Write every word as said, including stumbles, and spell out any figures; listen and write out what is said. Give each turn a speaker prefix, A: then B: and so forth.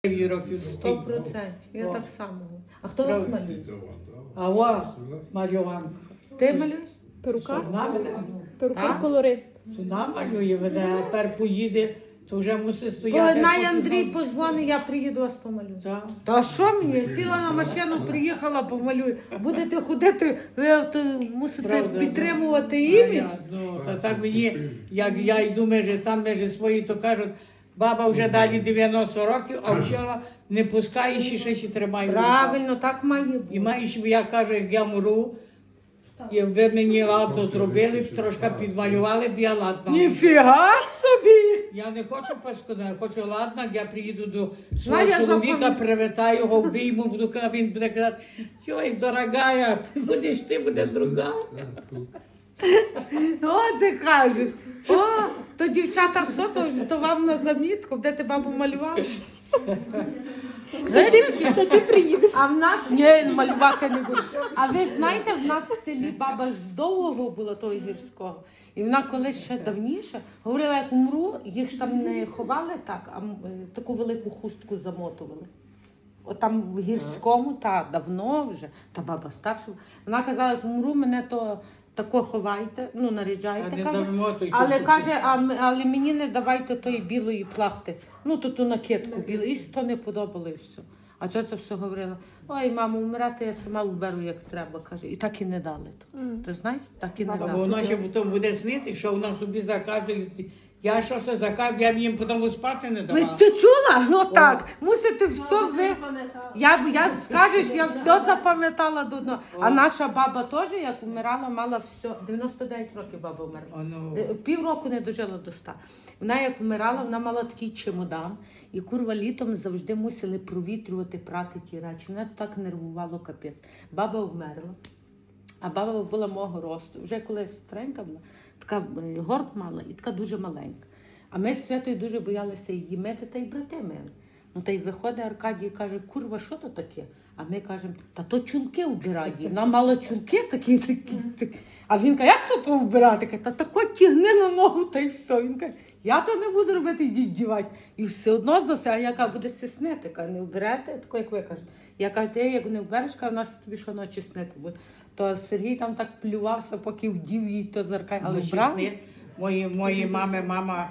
A: років
B: Сто процентів. Я так само. А хто вас малює?
A: А о, малюванка.
B: Ти малюєш?
C: Перукар?
A: Вона мене,
C: Перукар-колорист.
A: вона малює, вона тепер поїде, то вже мусить
B: Бо
A: стояти.
B: най
A: поки
B: Андрій
A: там-
B: позвонить, я приїду вас помалюю.
A: Так.
B: Та що мені? Сіла на машину, приїхала, помалюю. Будете ходити, ви то мусите
A: Правда,
B: підтримувати
A: А
B: імідж.
A: я, Ну, та так мені, як я йду межі там, межі свої, то кажуть, баба вже далі дев'яносто років, а вчора не пускає, ще ще ще тримає.
B: Правильно, так має
A: І
B: бути.
A: маєш, я кажу, як я мру, і ви мені ладно зробили, трошки підмалювали, б я ладна.
B: Ніфіга собі!
A: Я не хочу паскуда, я хочу ладно, я приїду до свого
B: Знаю, я
A: чоловіка,
B: запам'ят-
A: привітаю його, обійму, буду казати, він буде казати, йой, дорогая, ти будеш, ти буде друга.
B: О, ти кажеш. О, то дівчата все, то, то вам на замітку, де ти бабу малювала? Знаєш, яке?
C: Та ти приїдеш.
B: А в нас ні, малювати не буду. А ви знаєте, в нас в селі баба ж з Довгого була того гірського. І вона колись ще давніше говорила, як умру, їх ж там не ховали так, а м, е, таку велику хустку замотували. От там в гірському, та давно вже, та баба старша. Вона казала, як умру, мене то тако ховайте, ну наряджайте.
A: А не
B: каже.
A: замотуйте
B: Але
A: хустку.
B: каже, а, м- але мені не давайте тої білої плахти. Ну, то ту накидку білу. І то не подобало і все. А ця все говорила, ой, мамо, вмирати я сама вберу, як треба, каже. І так і не дали. То. Ти знаєш? Так і не
A: Бо
B: дали.
A: воно ще потім буде снити, що вона собі заказує. Я що це заказую, я б їм потім спати не
B: Ви,
A: давала.
B: ти чула? Отак. Мусите все ви. Я, я скажеш, я все запам'ятала до дна. А наша баба теж, як вмирала, мала все. дев'яносто дев'ять років баба вмерла.
A: Воно-
B: Е, Півроку не дожила до ста. Вона як вмирала, вона мала такий чемодан. І курва літом завжди мусили провітрювати, прати ті речі. Мене так нервувало капець. Баба вмерла. А баба була мого росту. Вже коли старенька була, така е, горб мала і така дуже маленька. А ми з Святою дуже боялися її мити, та й брати мили. Ну та й виходить Аркадій і каже, курва, що то таке? А ми кажемо, та то чулки вбирає. Вона мала чулки такі, такі, такі. А він каже, як то то вбирати? Каже, та тако тягни на ногу, та й все. Він каже, я то не буду робити, йдіть дівати. І все одно за це, а я кажу, буде стіснити. Каже, не вберете, тако як ви кажете. Я кажу, ти як не вбереш, каже, у нас тобі щоночі снити буде. То Сергій там так плювався, поки вдів їй то зеркає, але
A: Ну,
B: вбрав.
A: ще сни. Мої, мої мами, мама